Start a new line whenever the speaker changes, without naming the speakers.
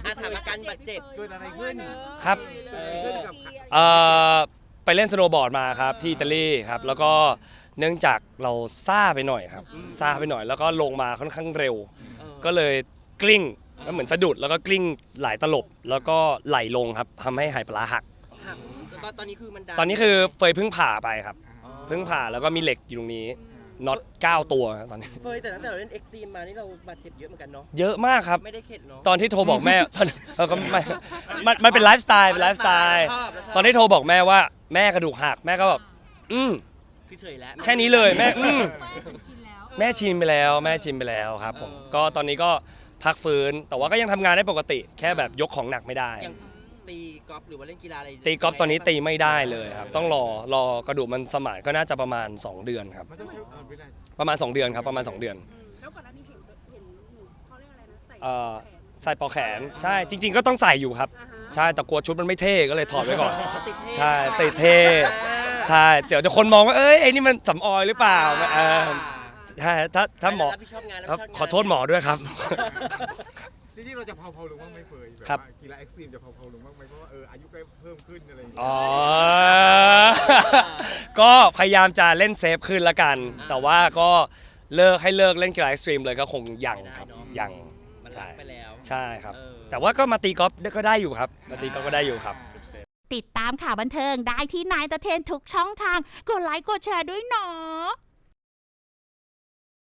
ถามอาการบาดเจ็บ
เกิดอะไรขึ้น
ครับ
เกิดอะไรขึ้นกับ
ไปเล่นสโนว์บอร์ดมาครับที่อิตาลีครับแล้วก็เนื่องจากเราซ่าไปหน่อยครับซ่าไปหน่อยแล้วก็ลงมาค่อนข้างเร็ว ก็เลยกลิ้งแล้วเหมือนสะดุดแล้วก็กลิ้งหลายตลบแล้วก็ไหลลงครับทำให้ไหปลาร้าหัก
ตอนนี้คือมันดัง
ตอนนี้คือเฟยเพิ่งผ่าไปครับเพิ่งผ่าแล้วก็มีเหล็กอยู่ตรงนี้น็อต9 ตัวครับตอนนี้
เฟยแต่ตั้งแต่เราเล่นเอ็กซ์ตรีมมานี่เราบาดเจ็บเยอะเหมือนกันเนาะ
เยอะมากครับ
ไม่ได้เข็ดเนาะ
ตอนที่โทรบอกแม่ ก็ไม่มันเป็นไลฟ์สไตล์เป็นไลฟ์สไตล์
ชอบ
ตอนที่โทรบอกแม่ว่าแม่กระดูกหักแม่ก็แบบ
คือเฉยแล้ว
แค่นี้เลยแม่
ชินแล้ว
แม่ชินไปแล้วแม่ชินไปแล้วครับผมก็ตอนนี้ก็พักฟื้นแต่ว่าก็ยังทำงานได้ปกติ แค่แบบยกของหนักไม่ได้
อย่างตีกอล์ฟหรือว่าเล่นกีฬาอะไร
ตีกอล์ฟตอนนี้ตีไม่ได้เลยครับต้องรอกระดูกมันสมานก็น่าจะประมาณ2 เดือนครับ
มันต้องใช้เวลา
ประมาณ2 เดือนครับประมาณ2 เดือน
แล้วก่อนหน้านี้เห็นหนูเขาเรียกอะไรนะใส่
ใส่ปลอกแขนใช่จริง ๆก็ต้องใส่อยู่ครับใช่แต่กลัวชุดมันไม่เท่ก็เลยถอดไว้ก่อน
ติดเท่
ใช่ติดเท่ใช่เดี๋ยวคนมองว่าเอ้ยไอ้นี่มันสำออยหรือเปล่าใช่ถ้าหมอ
รับผิดชอบงาน
ครับขอโทษหมอด้วยครับ
จริงๆเราจะเผาลงบ้างไหมเฟยแบบ
ครับ
ว่ากีฬาเอ็กซ์ตรีมจะเผาลงบ้างไหมเพราะว่าอายุก็เพิ่มขึ้นอะไรอย่างเงี้ย
อ๋อ ก็พยายามจะเล่นเซฟขึ้นละกัน แต่ว่าก็เลิกเล่นกีฬาเอ็กซ์ตรีมเลยก็คงยังครับยัง
มัน
ใช่
รักไปแล้ว
ใช่ครับ
เออ
แต่ว่าก็มาตีกอล์ฟก็ได้อยู่ครับมาตีกอล์ฟก็ได้อยู่ครับ
ติดตามข่าวบันเทิงได้ที่นายตะเทนทุกช่องทางกดไลค์กดแชร์ด้วยเนาะ